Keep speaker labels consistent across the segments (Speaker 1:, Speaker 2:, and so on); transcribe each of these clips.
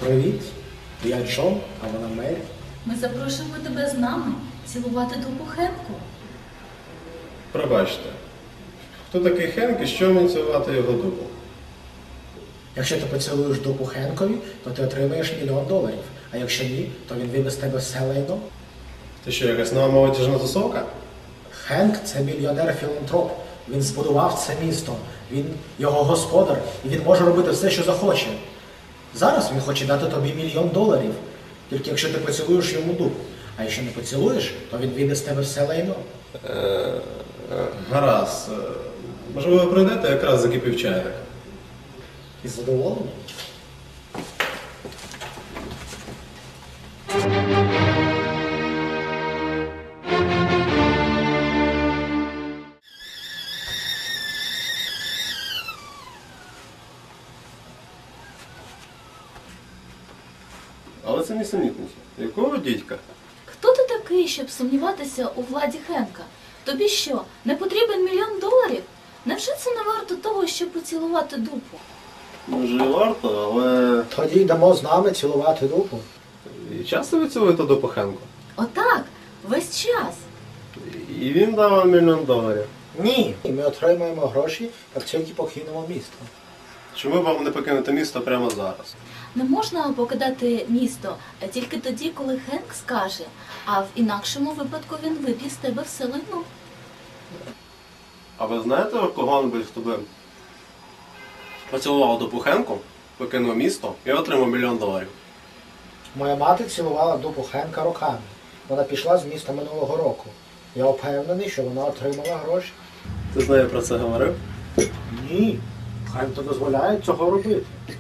Speaker 1: Привіт, я Джон, а вона Мері.
Speaker 2: Ми запрошуємо тебе з нами цілувати дупу Хенку.
Speaker 3: Пробачте, хто такий Хенк і що мені цілувати його дупу?
Speaker 1: Якщо ти поцілуєш дупу Хенкові, то ти отримаєш $1 мільйон. А якщо ні, то він вибе з тебе все лайно.
Speaker 3: Ти що, якась нова молодіжна тусовка?
Speaker 1: Хенк – це мільйонер-філантроп. Він збудував це місто. Він його господар, і він може робити все, що захоче. Зараз він хоче дати тобі $1 мільйон, тільки якщо ти поцілуєш йому дупу. А якщо не поцілуєш, то він вибе з тебе все лайно.
Speaker 3: Гаразд. Можливо, ви прийдете, якраз закипів чайник.
Speaker 1: І задоволений?
Speaker 3: Але це нісенітниця. Якого дідька?
Speaker 2: Хто ти такий, щоб сумніватися у владі Хенка? Тобі що, не потрібен $1 мільйон? Невже це не варто того, щоб поцілувати дупу?
Speaker 3: Може і варто, але...
Speaker 1: Тоді йдемо з нами цілувати дупу.
Speaker 3: І часто ви цілуєте дупу Хенку?
Speaker 2: Отак, весь час.
Speaker 3: І він дав вам $1 мільйон.
Speaker 1: Ні. І ми отримаємо гроші, як тільки покинемо місто.
Speaker 3: Чому вам не покинути місто прямо зараз?
Speaker 2: Не можна покидати місто тільки тоді, коли Хенк скаже, а в інакшому випадку він виб'є з тебе все лайно.
Speaker 3: А ви знаєте, кого-небудь, хто би поцілував дупу Хенку, покинув місто і отримав $1 мільйон?
Speaker 1: Моя мати цілувала дупу Хенка роками. Вона пішла з міста минулого року. Я впевнений, що вона отримала гроші.
Speaker 3: Ти з нею про це говорив?
Speaker 1: Ні. Хенк не дозволяє цього робити.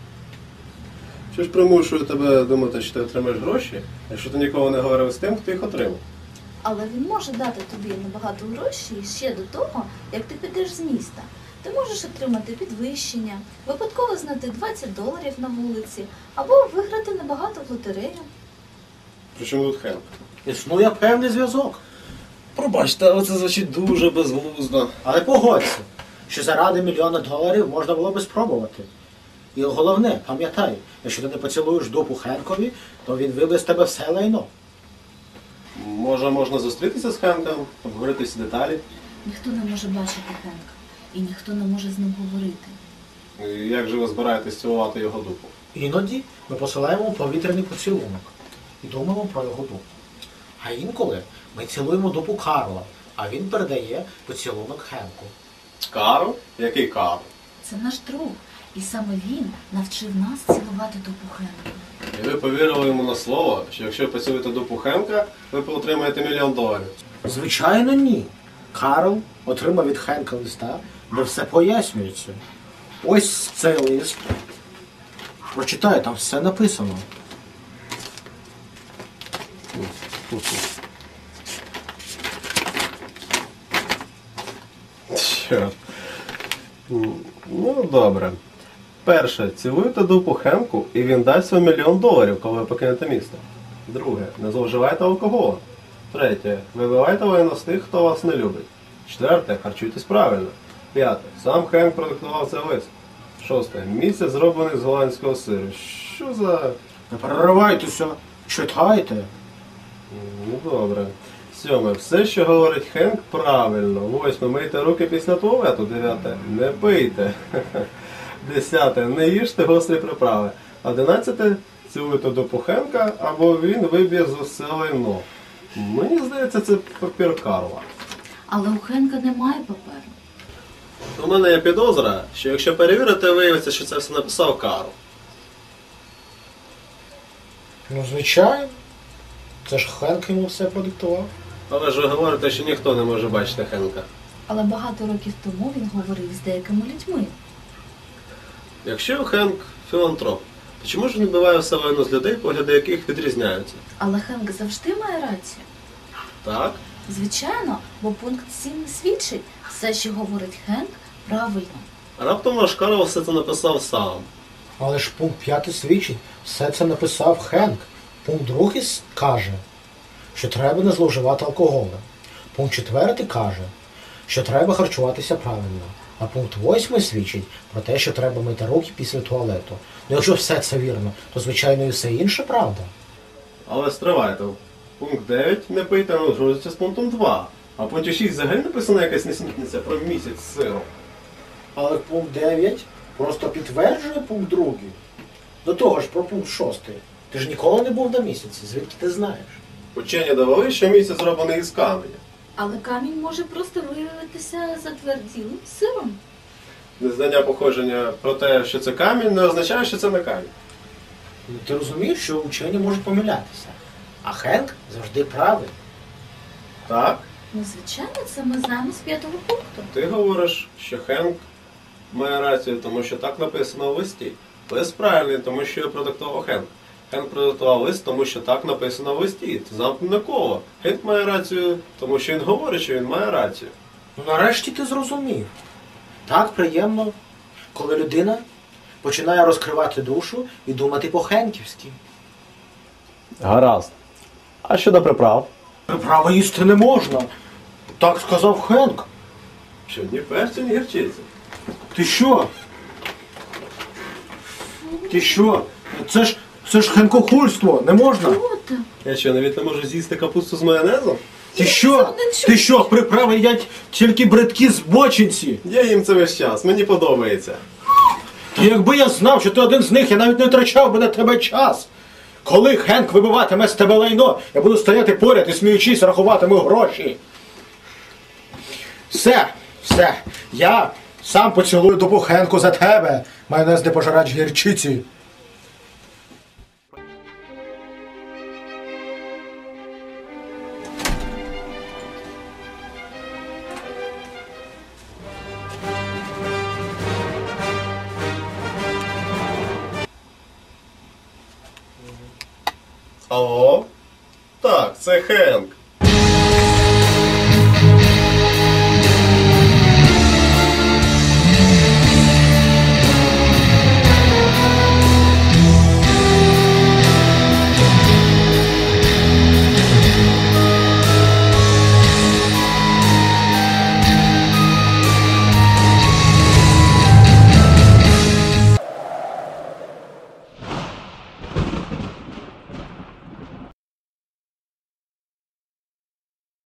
Speaker 3: Що ж примушує тебе думати, що ти отримаєш гроші, якщо ти ніколи не говорив з тим, хто їх отримав?
Speaker 2: Але він може дати тобі набагато грошей ще до того, як ти підеш з міста. Ти можеш отримати підвищення, випадково знайти $20 на вулиці, або виграти набагато в лотерею.
Speaker 3: Причому тут Хенк?
Speaker 1: Існує певний зв'язок.
Speaker 3: Пробачте, але це звучить дуже безглуздо.
Speaker 1: Але погодься, що заради $1 мільйона можна було би спробувати. І головне, пам'ятай, якщо ти не поцілуєш дупу Хенкові, то він вибе з тебе все лайно.
Speaker 3: Може, можна зустрітися з Хенком, обговорити всі деталі?
Speaker 2: Ніхто не може бачити Хенка, і ніхто не може з ним говорити.
Speaker 3: І як же ви збираєтесь цілувати його дупу?
Speaker 1: Іноді ми посилаємо повітряний поцілунок і думаємо про його дупу. А інколи ми цілуємо дупу Карла, а він передає поцілунок Хенку.
Speaker 3: Карл? Який Карл?
Speaker 2: Це наш друг, і саме він навчив нас цілувати дупу Хенка.
Speaker 3: І ви повірили йому на слово, що якщо поцілуєте дупу Хенка, ви отримаєте $1 мільйон?
Speaker 1: Звичайно, ні. Карл отримав від Хенка листа, де все пояснюється. Ось цей лист. Прочитай, там все написано.
Speaker 3: Що? Ну, добре. Перше, цілуйте дупу Хенку, і він дасть вам $1 мільйон, коли ви покинете місто. Друге, не зловживайте алкоголем. Третє, вибивайте лайно з тих, хто вас не любить. Четверте, харчуйтесь правильно. П'яте, сам Хенк продиктував цей лист. Шосте, місяць зроблений з голландського сиру. Що за...
Speaker 1: Не переривайтеся, читайте.
Speaker 3: Ну, добре. Сьоме, все, що говорить Хенк, правильно. Восьме, мийте руки після туалету. Дев'яте, не пийте. Десяте, не їжте гострі приправи. 11, цілуйте дупу Хенка, або він виб'є з усе лайно. Мені здається, це папір Карла.
Speaker 2: Але у Хенка немає паперу.
Speaker 3: У мене є підозра, що якщо перевірити, виявиться, що це все написав Карл.
Speaker 1: Ну, звичайно. Це ж Хенк йому все продиктував.
Speaker 3: Але ж ви говорите, що ніхто не може бачити Хенка.
Speaker 2: Але багато років тому він говорив з деякими людьми.
Speaker 3: Якщо Хенк філантроп, то чому ж він вбиває все лайно з людей, погляди яких відрізняються?
Speaker 2: Але Хенк завжди має рацію.
Speaker 3: Так?
Speaker 2: Звичайно, бо пункт 7 свідчить, все, що говорить Хенк, правильно.
Speaker 3: Раптом ваш Карл все це написав сам.
Speaker 1: Але ж пункт 5 свідчить, все це написав Хенк. Пункт 2 каже, що треба не зловживати алкоголем. Пункт 4 каже, що треба харчуватися правильно. А пункт 8 свідчить про те, що треба мити руки після туалету. Ну якщо все це вірно, то звичайно і все інше правда.
Speaker 3: Але стривайте. Пункт 9 не пийте, не узгоджується з пунктом 2. А в пункті 6 взагалі написана якась несмітниця про місяць з сиром.
Speaker 1: Але пункт 9 просто підтверджує пункт 2. До того ж про пункт 6. Ти ж ніколи не був на місяці, звідки ти знаєш?
Speaker 3: Учені довели, що місяць зроблений із каменя.
Speaker 2: Але камінь може просто виявитися затверділим сиром.
Speaker 3: Незнання походження про те, що це камінь, не означає, що це не камінь.
Speaker 1: Ну, ти розумієш, що учені можуть помилятися. А Хенк завжди правий.
Speaker 3: Так?
Speaker 2: Ну, звичайно, це ми знаємо з 5-го пункту.
Speaker 3: Ти говориш, що Хенк має рацію, тому що так написано в листі. Лист правильний, тому що його продиктував Хенк. Хенк продиктував лист, тому що так написано в листі. Це замкнене коло. Хенк має рацію, тому що він говорить, що він має рацію.
Speaker 1: Ну нарешті ти зрозумів. Так приємно, коли людина починає розкривати душу і думати по-хенківськи.
Speaker 3: Гаразд. А щодо приправ?
Speaker 1: Приправи їсти не можна. Так сказав Хенк.
Speaker 3: Що ні перцю, ні гірчиці.
Speaker 1: Ти що? Ти що? Це ж хенкохульство, не можна.
Speaker 2: Що там?
Speaker 3: Я що, навіть не можу з'їсти капусту з майонезом?
Speaker 1: Ти що? Ти що, приправи їдять тільки бредкі збочинці?
Speaker 3: Я їм це весь час, мені подобається.
Speaker 1: Та якби я знав, що ти один з них, я навіть не втрачав би на тебе час. Коли Хенк вибиватиме з тебе лайно, я буду стояти поряд і сміючись рахуватиму гроші. Все. Я сам поцілую дупу Хенку за тебе, майонез не пожирач гірчиці.
Speaker 3: Алло? Так, це Хенк.